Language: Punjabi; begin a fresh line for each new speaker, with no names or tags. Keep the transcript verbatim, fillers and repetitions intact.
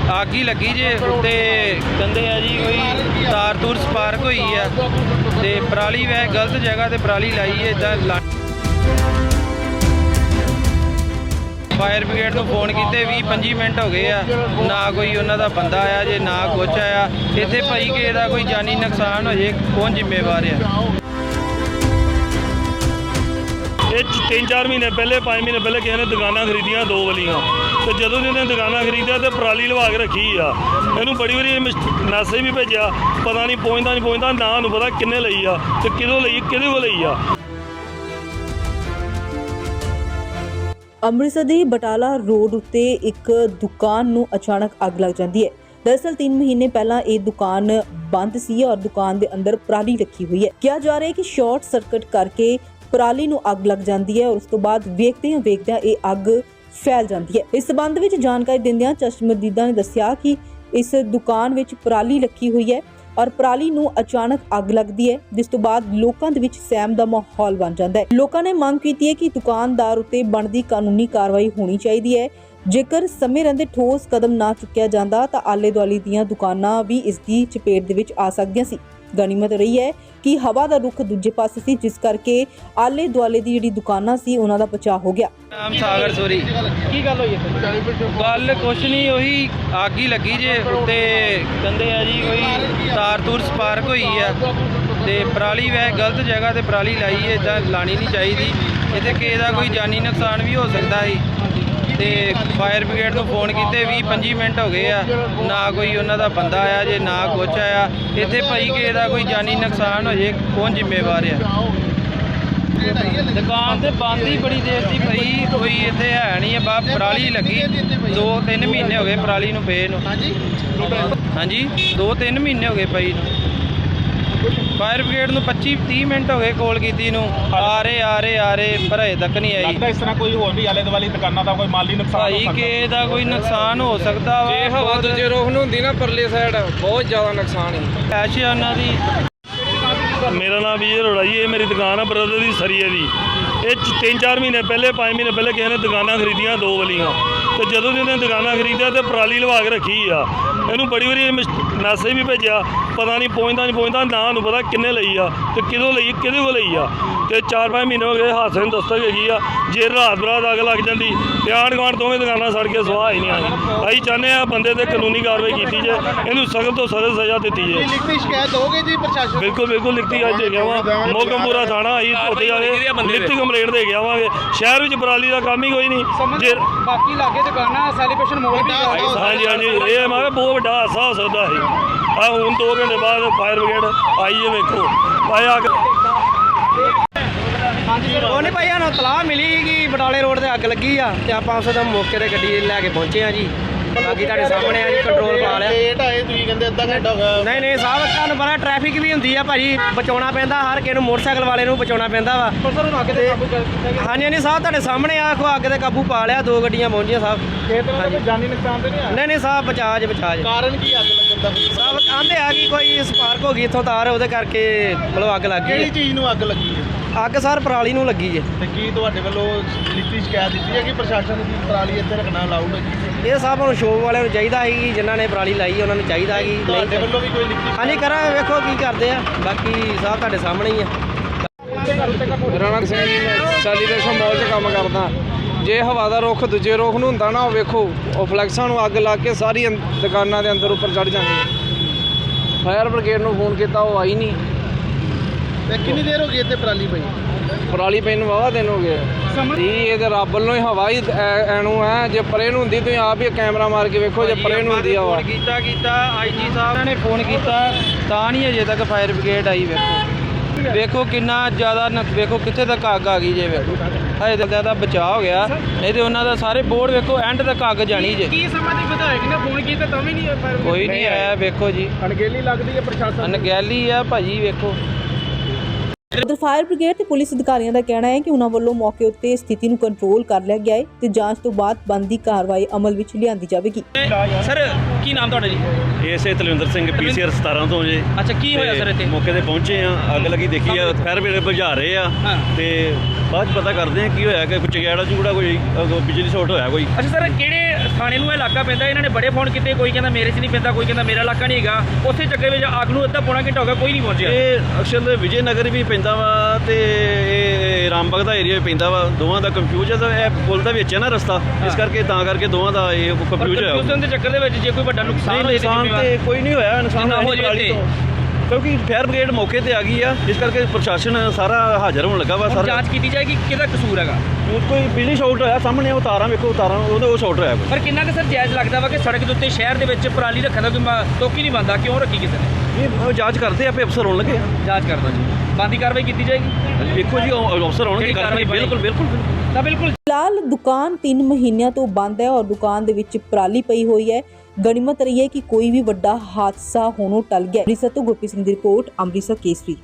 ਅੱਗ ਹੀ ਲੱਗੀ ਜੇ ਉੱਤੇ ਕਹਿੰਦੇ ਆ ਜੀ ਕੋਈ ਤਾਰ ਤੂਰ ਸਪਾਰਕ ਹੋਈ ਆ ਤੇ ਪਰਾਲੀ ਵੈ ਗਲਤ ਜਗ੍ਹਾ ਤੇ ਪਰਾਲੀ ਲਾਈ ਹੈ ਇਦਾਂ। ਫਾਇਰ ਬ੍ਰਿਗੇਡ ਨੂੰ ਫੋਨ ਕੀਤੇ ਵੀਹ ਪੰਜੀ ਮਿੰਟ ਹੋ ਗਏ ਆ, ਨਾ ਕੋਈ ਉਹਨਾਂ ਦਾ ਬੰਦਾ ਆਇਆ ਜੇ ਨਾ ਕੁਛ ਆਇਆ। ਇੱਥੇ ਭਾਈ ਕਿਸੇ ਦਾ ਕੋਈ ਜਾਨੀ ਨੁਕਸਾਨ ਹੋ ਜੇ ਕੌਣ ਜ਼ਿੰਮੇਵਾਰ ਆ?
ਇਹ ਤਿੰਨ ਚਾਰ ਮਹੀਨੇ ਪਹਿਲੇ ਪੰਜ ਮਹੀਨੇ ਪਹਿਲੇ ਕਿਸੇ ਨੇ ਦੁਕਾਨਾਂ ਖਰੀਦੀਆਂ ਦੋ ਵਾਲੀਆਂ, ਤੇ ਜਦੋਂ ਦੀ ਉਹਨੇ ਦੁਕਾਨਾਂ ਖਰੀਦਿਆ ਤੇ ਪਰਾਲੀ ਲਵਾ ਕੇ ਰੱਖੀ ਆ। ਇਹਨੂੰ ਬੜੀ ਵਾਰੀ ਮੈਸੇਜ ਵੀ ਭੇਜਿਆ, ਪਤਾ ਨਹੀਂ ਪਹੁੰਚਦਾ ਨਹੀਂ ਪਹੁੰਚਦਾ ਨਾ ਉਹਨੂੰ ਪਤਾ ਕਿੰਨੇ ਲਈ ਆ ਤੇ ਕਿਦੋਂ ਲਈ ਕਿਹਦੇ ਕੋਲ ਲਈ ਆ।
ਅੰਮ੍ਰਿਤਸਰ ਦੇ ਬਟਾਲਾ ਰੋਡ ਉੱਤੇ ਇੱਕ ਦੁਕਾਨ ਨੂੰ ਅਚਾਨਕ ਅੱਗ ਲੱਗ ਜਾਂਦੀ ਹੈ। दरअसल तीन महीने पहला ये दुकान बंद सी और दुकान के अंदर पराली रखी हुई है। कहा जा रहा है कि शॉर्ट सर्किट करके पराली नूं अग लग जाती है और उस तो बाद वेखदियां वेखदियां ये अग फैल जाती है। इस संबंध में जानकारी दिंदियां चश्मदीदा ने दस्सिया कि इस दुकान विच पराली रखी हुई है और पराली नूं अचानक अग लगती है, जिस तो बाद लोकां दे विच सहम दा माहौल बन जाता है। लोकां ने मंग कीती है कि दुकानदार उत्ते बनदी कानूनी कार्रवाई होनी चाहिए है। जेकर समय रहंदे ठोस कदम ना चुक्या जांदा तां आले दुआले दीयां दुकानां भी इस दी चपेट दे विच आ सकदियां सी। गनीमत रही है कि हवा का रुख दूजे पासे सी, जिस करके आले दुआले दी जिहड़ी दुकानां सी उन्हां दा बचाव हो गया।
नाम सागर सोरी की गल होई है? गल कुछ नहीं, वही अग ही लगी जे उत्ते कहंदे आ जी कोई तार तूर स्पार्क होई है ते पराली वै गलत जगह ते पराली लाई है, इदां लानी नहीं चाहिदी। इत्थे किसे दा कोई जानी नुकसान भी हो सकदा है ਤੇ ਫਾਇਰ ਬ੍ਰਿਗੇਡ ਨੂੰ ਫੋਨ ਕੀਤੇ ਵੀਹ ਪੰਜੀ ਮਿੰਟ ਹੋ ਗਏ ਆ, ਨਾ ਕੋਈ ਉਹਨਾਂ ਦਾ ਬੰਦਾ ਆਇਆ ਜੇ ਨਾ ਕੁਛ ਆਇਆ। ਇੱਥੇ ਭਾਈ ਕਿਸੇ ਦਾ ਕੋਈ ਜਾਨੀ ਨੁਕਸਾਨ ਹੋ ਜੇ ਕੌਣ ਜ਼ਿੰਮੇਵਾਰ ਆ? ਦੁਕਾਨ ਤੇ ਬੰਦ ਹੀ ਬੜੀ ਦੇਰ ਦੀ ਪਈ, ਕੋਈ ਇੱਥੇ ਹੈ ਨਹੀਂ ਆ। ਬਾ ਪਰਾਲੀ ਲੱਗੀ ਦੋ ਤਿੰਨ ਮਹੀਨੇ ਹੋ ਗਏ ਪਰਾਲੀ ਨੂੰ ਪਏ ਨੂੰ। ਹਾਂਜੀ ਦੋ ਤਿੰਨ ਮਹੀਨੇ ਹੋ ਗਏ ਪਈ ਨੂੰ। ਫਾਇਰ ਬ੍ਰਿਗੇਡ ਨੂੰ ਪੱਚੀ ਤੀਹ ਮਿੰਟ ਹੋ ਗਏ ਕੋਲ ਕੀਤੀ ਨੂੰ, ਆ ਰਹੇ ਆ ਰਹੇ ਆ ਰਹੇ ਪਰ ਅਜੇ ਤੱਕ ਨਹੀਂ ਆਈ।
ਲੱਗਦਾ ਇਸ ਤਰ੍ਹਾਂ ਕੋਈ ਹੋਰ ਵੀ ਆਲੇ ਦੁਆਲੇ ਦੁਕਾਨਾਂ ਦਾ ਕੋਈ ਮਾਲੀ ਨੁਕਸਾਨ
ਭਾਈ ਕਿਸੇ ਦਾ ਕੋਈ ਨੁਕਸਾਨ ਹੋ ਸਕਦਾ ਵਾ।
ਜੇ ਹਵਾ ਦੂਜੇ ਰੋਹ ਨੂੰ ਹੁੰਦੀ ਨਾ ਪਰਲੇ ਸਾਈਡ ਬਹੁਤ ਜ਼ਿਆਦਾ ਨੁਕਸਾਨ ਹੈ।
ਐਸ਼ ਆ ਉਹਨਾਂ ਦੀ।
ਮੇਰਾ ਨਾਮ ਵਿਜੇ ਅਰੋੜਾ ਜੀ, ਇਹ ਮੇਰੀ ਦੁਕਾਨ ਆ ਬ੍ਰਦਰ ਦੀ ਸਰੀਏ ਦੀ। ਇਹ ਤਿੰਨ ਚਾਰ ਮਹੀਨੇ ਪਹਿਲੇ ਪੰਜ ਮਹੀਨੇ ਪਹਿਲੇ ਕਿਸੇ ਨੇ ਦੁਕਾਨਾਂ ਖਰੀਦੀਆਂ ਦੋ ਵਾਲੀਆਂ, ਤੇ ਜਦੋਂ ਦੀ ਉਹਨੇ ਦੁਕਾਨਾਂ ਖਰੀਦਿਆ ਤੇ ਪਰਾਲੀ ਲਵਾ ਕੇ ਰੱਖੀ ਆ। ਇਹਨੂੰ ਬੜੀ ਵਾਰੀ ਮੈਸੇਜ ਵੀ ਭੇਜਿਆ, ਪਤਾ ਨਹੀਂ ਪਹੁੰਚਦਾ ਨਹੀਂ ਪਹੁੰਚਦਾ ਨਾ ਉਹਨੂੰ ਪਤਾ ਕਿੰਨੇ ਲਈ ਆ ਤੇ ਕਿਦੋਂ ਲਈ ਕਿਹਦੇ ਕੋਲ ਲਈ ਆ। ਤੇ ਚਾਰ ਪੰਜ ਮਹੀਨੇ ਹੋ ਗਏ ਹਾਦਸੇ ਨੂੰ ਦਸਤਕ ਹੈਗੀ ਆ। ਜੇ ਰਾਤ ਬਰਾਤ ਅੱਗ ਲੱਗ ਜਾਂਦੀ ਤੇ ਆਂਢ ਗੁਆਂਢ ਦੋਵੇਂ ਦੁਕਾਨਾਂ ਸੜ ਕੇ ਸੁਆਹ ਹੀ ਨਹੀਂ ਆਈ। ਅਸੀਂ ਚਾਹੁੰਦੇ ਆ ਬੰਦੇ ਤੇ ਕਾਨੂੰਨੀ ਕਾਰਵਾਈ ਕੀਤੀ ਜੇ, ਇਹਨੂੰ ਸਖਤ ਤੋਂ ਸਖਤ ਸਜ਼ਾ ਦਿੱਤੀ ਜੇ।
ਲਿਖਤੀ ਸ਼ਿਕਾਇਤ ਦੋਗੇ ਜੀ ਪ੍ਰਸ਼ਾਸਨ?
ਬਿਲਕੁਲ ਬਿਲਕੁਲ ਲਿਖਤੀ ਅੱਜ ਦੇ ਗਿਆ ਵਾ ਮੋਗਮਪੁਰਾ ਥਾਣਾ, ਅਸੀਂ ਉੱਥੇ ਜਾ ਕੇ ਲਿਖਤੀ ਕੰਪਲੇਂਟ ਦੇ ਕੇ ਆਵਾਂਗੇ। ਸ਼ਹਿਰ ਵਿੱਚ ਪਰਾਲੀ ਦਾ ਕੰਮ ਹੀ ਕੋਈ ਨਹੀਂ। ਜੇ
ਬਾਕੀ ਲਾਗੇ ਦੁਕਾਨਾਂ ਸੈਲੀਬ੍ਰੇਸ਼ਨ ਮੋਲ ਵੀ
ਹਾਂਜੀ ਹਾਂਜੀ ਇਹ ਮੈਂ ਕਿਹਾ ਬਹੁਤ ਵੱਡਾ ਹਾਦਸਾ ਹੋ ਸਕਦਾ ਸੀ। ਆ ਹੁਣ ਦੋ ਘੰਟੇ ਬਾਅਦ ਫਾਇਰ ਬ੍ਰਿਗੇਡ ਆਈ ਹੈ, ਵੇਖੋ ਆਇਆ ਅੱਗ।
ਉਹ ਨਹੀਂ ਭਾਈ ਸਾਨੂੰ ਤਲਾਹ ਮਿਲੀ ਕਿ ਬਟਾਲੇ ਰੋਡ ਤੇ ਅੱਗ ਲੱਗੀ ਆ ਤੇ ਆਪਾਂ ਉਸ ਦਾ ਮੌਕੇ ਤੇ ਗੱਡੀ ਲੈ ਕੇ ਪਹੁੰਚੇ ਆ ਜੀ। ਬਾਕੀ ਤੁਹਾਡੇ ਸਾਹਮਣੇ ਆ ਜੀ, ਕੰਟਰੋਲ ਪਾ ਲਿਆ।
ਲੇਟ ਆਏ ਤੁਸੀਂ ਕਹਿੰਦੇ ਅੱਧਾ ਘੰਟਾ ਹੋ ਗਿਆ।
ਨਹੀਂ ਨਹੀਂ ਸਾਹਿਬ ਤੁਹਾਨੂੰ ਪਤਾ ਟ੍ਰੈਫਿਕ ਵੀ ਹੁੰਦੀ ਆ ਭਾਜੀ, ਬਚਾਉਣਾ ਪੈਂਦਾ ਹਰ ਕਿਸੇ ਨੂੰ, ਮੋਟਰਸਾਈਕਲ ਵਾਲੇ ਨੂੰ ਬਚਾਉਣਾ ਪੈਂਦਾ ਵਾ। ਹਾਂਜੀ ਹਾਂਜੀ ਸਾਹਿਬ ਤੁਹਾਡੇ ਸਾਹਮਣੇ ਆ, ਅੱਗ ਤੇ ਕਾਬੂ ਪਾ ਲਿਆ, ਦੋ ਗੱਡੀਆਂ ਪਹੁੰਚੀਆਂ ਸਾਹਿਬ।
ਇਹ ਤਰ੍ਹਾਂ ਦਾ ਜਾਨੀ ਨੁਕਸਾਨ ਤੇ ਨਹੀਂ ਆਇਆ?
ਨਹੀਂ ਨਹੀਂ ਸਾਹਿਬ ਬਚਾਜ ਬਚਾਜ।
ਕਾਰਨ ਕੀ ਅੱਗ ਲੱਗਣ ਦਾ?
ਸਾਹਿਬ ਕਹਿੰਦੇ ਆ ਕਿ ਕੋਈ ਸਪਾਰਕ ਹੋ ਗਈ ਇੱਥੋਂ ਤਾਰ, ਉਹਦੇ ਕਰਕੇ ਮਤਲਬ ਅੱਗ ਲੱਗ
ਕਿਹੜੀ
ਗਈ।
ਚੀਜ਼ ਨੂੰ ਅੱਗ ਲੱਗੀ ਹੈ?
ਅੱਗ ਸਰ ਪਰਾਲੀ ਨੂੰ ਲੱਗੀ ਜੇ।
ਤੇ ਕੀ ਤੁਹਾਡੇ ਵੱਲੋਂ ਲਿਖਤੀ ਸ਼ਿਕਾਇਤ ਦਿੱਤੀ ਹੈ ਕਿ ਪ੍ਰਸ਼ਾਸਨ ਦੀ ਪਰਾਲੀ ਇੱਥੇ ਰੱਖਣਾ ਅਲਾਉਡ ਹੈ ਜੀ?
ਇਹ ਸਾਹਿਬ ਨੂੰ ਸ਼ੋਪ ਵਾਲਿਆਂ ਨੂੰ ਚਾਹੀਦਾ ਹੈ ਕਿ ਜਿਨ੍ਹਾਂ ਨੇ ਪਰਾਲੀ ਲਾਈ ਉਹਨਾਂ ਨੂੰ ਚਾਹੀਦਾ ਹੈ ਕਿ
ਤੁਹਾਡੇ ਵੱਲੋਂ ਵੀ ਕੋਈ ਲਿਖਤੀ?
ਹਾਂਜੀ ਕਰਾਂਗੇ, ਵੇਖੋ ਕੀ ਕਰਦੇ ਆ। ਬਾਕੀ ਸਾਹਿਬ ਤੁਹਾਡੇ ਸਾਹਮਣੇ ਹੀ ਆ। ਮੇਰਾ ਨਾਮ ਸਿੰਘ ਜੀ, ਮੈਂ ਸੈਲੀਬ੍ਰੇਸ਼ਨ ਮਾਲ 'ਚ ਕੰਮ ਕਰਦਾ। ਜੇ ਹਵਾ ਦਾ ਰੁਖ ਦੂਜੇ ਰੁਖ ਨੂੰ ਹੁੰਦਾ ਨਾ, ਉਹ ਵੇਖੋ ਉਹ ਫਲੈਕਸਾਂ ਨੂੰ ਅੱਗ ਲਾ ਕੇ ਸਾਰੀ ਦੁਕਾਨਾਂ ਦੇ ਅੰਦਰ ਉੱਪਰ ਚੜ੍ਹ ਜਾਂਦੀ। ਫਾਇਰ ਬ੍ਰਿਗੇਡ ਨੂੰ ਫੋਨ ਕੀਤਾ, ਉਹ ਆਈ ਨਹੀਂ।
ਤੇ ਕਿੰਨੀ ਦੇਰ ਹੋ ਗਈ ਇੱਥੇ ਪਰਾਲੀ ਪਈ?
ਪਰਾਲੀ ਪਈ ਨੂੰ ਵਾਹਵਾ ਦਿਨ ਹੋ ਗਏ ਜੀ। ਇਹ ਤੇ ਰੱਬ ਵੱਲੋਂ ਹੀ ਹਵਾ ਹੀ ਐਨੂੰ ਹੈ। ਜੇ ਪਰੇ ਨੂੰ ਹੁੰਦੀ ਤੁਸੀਂ ਆਪ ਹੀ ਕੈਮਰਾ ਮਾਰ ਕੇ ਵੇਖੋ, ਜੇ ਪਰੇ ਨੂੰ ਹੁੰਦੀ ਆ ਹਵਾ।
ਕੀਤਾ ਕੀਤਾ ਆਈ ਜੀ ਸਾਹਿਬ ਨੇ ਫੋਨ ਕੀਤਾ ਤਾਂ ਨਹੀਂ ਅਜੇ ਤੱਕ ਫਾਇਰ ਬ੍ਰਿਗੇਡ ਆਈ। ਵੇਖੋ ਵੇਖੋ ਕਿੰਨਾ ਜ਼ਿਆਦਾ ਵੇਖੋ ਕਿੱਥੇ ਤੱਕ ਅੱਗ ਆ ਗਈ ਜੇ। ਵੇਖੋ ਹਜੇ ਤੱਕ ਦਾ ਬਚਾਅ ਹੋ ਗਿਆ, ਨਹੀਂ ਤੇ ਉਹਨਾਂ ਦਾ ਸਾਰੇ ਬੋਰਡ ਵੇਖੋ ਐਂਡ ਤੱਕ ਅੱਗ ਜਾਣੀ ਜੇ।
ਕੀ ਸਮਾਂ ਦੀ ਵਿਧਾਇਕ ਨੇ ਫੋਨ ਕੀਤਾ ਤਾਂ ਵੀ ਨਹੀਂ
ਕੋਈ ਨਹੀਂ ਆਇਆ। ਵੇਖੋ ਜੀ
ਅਣਗਹਿਲੀ ਲੱਗਦੀ ਹੈ ਪ੍ਰਸ਼ਾਸਨ।
ਅਣਗਹਿਲੀ ਆ ਭਾਜੀ। ਵੇਖੋ
उधर फायर ब्रिगेड ते पुलिस अधिकारियों का कहना है कि उन्होंने वालों मौके उत्ते स्थिति नूं कंट्रोल कर लिया गया है ते जांच तो बाद बनदी कार्रवाई अमल विच लिआंदी जावेगी।
सर की नाम तुहाडा जी?
ਇਸੇ Talwinder Singh P C R ਸਤਾਰਾਂ ਤੋਂ ਜੇ।
अच्छा की होया सर इत्थे?
ਮੌਕੇ ਤੇ ਪਹੁੰਚੇ ਆ, ਅੱਗ ਲੱਗੀ ਦੇਖੀ ਆ, ਫਾਇਰ ਬ੍ਰਿਗੇਡ ਬੁਝਾ ਰਹੇ ਆ ਤੇ ਬਾਅਦ 'ਚ ਪਤਾ ਕਰਦੇ ਆ ਕੀ ਹੋਇਆ ਕਿ ਕੋਈ ਚਗਿਆੜਾ ਚੂੜਾ ਕੋਈ ਬਿਜਲੀ ਸ਼ਾਰਟ ਹੋਇਆ ਕੋਈ।
अच्छा सर किहड़े ਥਾਣੇ ਨੂੰ ਇਹ ਇਲਾਕਾ ਪੈਂਦਾ, ਇਹਨਾਂ ਨੇ ਬੜੇ ਫੋਨ ਕੀਤੇ, ਕੋਈ ਕਹਿੰਦਾ ਮੇਰੇ 'ਚ ਨਹੀਂ ਪੈਂਦਾ, ਕੋਈ ਕਹਿੰਦਾ ਮੇਰਾ ਇਲਾਕਾ ਨਹੀਂ ਹੈਗਾ। ਉਸੇ ਚੱਕਰ ਵਿੱਚ ਅੱਗ ਨੂੰ ਅੱਧਾ ਪੌਣਾ ਘੰਟਾ ਹੋ ਗਿਆ, ਕੋਈ ਨਹੀਂ ਪਹੁੰਚਿਆ।
ਇਹ ਅਕਸਰ ਵਿਜੇ ਨਗਰ ਵੀ ਪੈਂਦਾ ਵਾ ਤੇ ਇਹ ਰਾਮਬਾਗ ਦਾ ਏਰੀਆ ਵੀ ਪੈਂਦਾ ਵਾ, ਦੋਵਾਂ ਦਾ ਕੰਫਿਊਜ਼ ਹੈ। ਇਹ ਪੁਲ ਦਾ ਵਿੱਚ ਹੈ ਨਾ ਰਸਤਾ, ਇਸ ਕਰਕੇ ਤਾਂ ਕਰਕੇ ਦੋਵਾਂ ਦਾ ਇਹ ਕੰਫਿਊਜ਼ ਹੋਇਆ।
ਕੰਫਿਊਜ਼ਨ ਦੇ ਚੱਕਰ ਦੇ ਵਿੱਚ ਜੇ ਕੋਈ ਵੱਡਾ ਨੁਕਸਾਨ ਹੋਏ ਤੇ
ਨੁਕਸਾਨ
ਜ਼ਿੰਮੇਵਾਰ
ਤੇ ਕੋਈ ਨਹੀਂ ਹੋਇਆ, ਨੁਕਸਾਨ
ਨਾ ਹੋ
ਹੋਇਆ
ਜੇ
ਪਰਾਲੀ
ਤੇ।
ਤੋਂ। ਕਿਉਂਕਿ ਫਾਇਰ ਬ੍ਰਿਗੇਡ ਮੌਕੇ ਤੇ ਆ ਗਈ ਆ, ਇਸ ਕਰਕੇ ਪ੍ਰਸ਼ਾਸਨ ਸਾਰਾ ਹਾਜ਼ਰ ਹੋਣ ਲੱਗਾ ਵਾ।
ਹੁਣ
ਸਾਰਾ
ਜਾਂਚ ਕੀਤੀ ਜਾਏਗੀ ਕਿਹਦਾ ਕਸੂਰ ਹੈਗਾ।
ਕੋਈ ਬਿਜਲੀ ਸ਼ਾਰਟ ਹੋਇਆ ਸਾਹਮਣੇ, ਉਹ ਤਾਰਾਂ ਵੇਖੋ, ਤਾਰਾਂ ਉਹਦੇ ਉਹ ਸ਼ਾਰਟ ਹੋਇਆ ਕੋਈ।
ਪਰ ਕਿੰਨਾ ਕੁ ਸਰ ਜਾਇਜ਼ ਲੱਗਦਾ ਵਾ ਕਿ ਸੜਕ ਦੇ ਉੱਤੇ ਸ਼ਹਿਰ ਦੇ ਵਿੱਚ ਪਰਾਲੀ ਰੱਖਣ ਦਾ ਕੋਈ ਮ- ਤੁੱਕ ਹੀ ਨਹੀਂ ਬਣਦਾ, ਕਿਉਂ ਰੱਖੀ ਕਿਸੇ ਨੇ?
ਇਹ ਉਹ ਜਾਂਚ ਕਰਦੇ ਆ, ਆਪੇ ਅਫਸਰ ਹੋਣ ਲੱਗੇ ਆ।
ਜਾਂਚ ਕਰਦਾ ਜੀ, ਬੰਦੀ ਕਾਰਵਾਈ ਕੀਤੀ ਜਾਏਗੀ
ਵੇਖੋ ਜੀ, ਉਹ ਅਫਸਰ ਹੋਣਗੇ,
ਜਿਹੜੀ
ਕਾਰਵਾਈ
ਕਾਰਵਾਈ
ਬਿਲਕੁਲ ਬਿਲਕੁਲ ਬਿਲਕੁਲ।
ਤਾਂ ਬਿਲਕੁਲ।
ਫਿਲਹਾਲ ਦੁਕਾਨ ਤਿੰਨ ਮਹੀਨਿਆਂ ਤੋਂ ਬੰਦ ਹੈ ਔਰ ਦੁਕਾਨ ਦੇ ਵਿੱਚ ਪਰਾਲੀ ਪਈ ਹੋਈ ਹੈ। ਗਣੀਮਤ ਰਹੀ ਹੈ ਕਿ ਕੋਈ ਵੀ ਵੱਡਾ ਹਾਦਸਾ ਹੋਣੋਂ ਟਲ ਗਿਆ। ਅੰਮ੍ਰਿਤਸਰ ਤੋਂ ਗੁਰਪ੍ਰੀਤ ਸਿੰਘ ਦੀ ਰਿਪੋਰਟ, ਅੰਮ੍ਰਿਤਸਰ ਕੇਸਰੀ।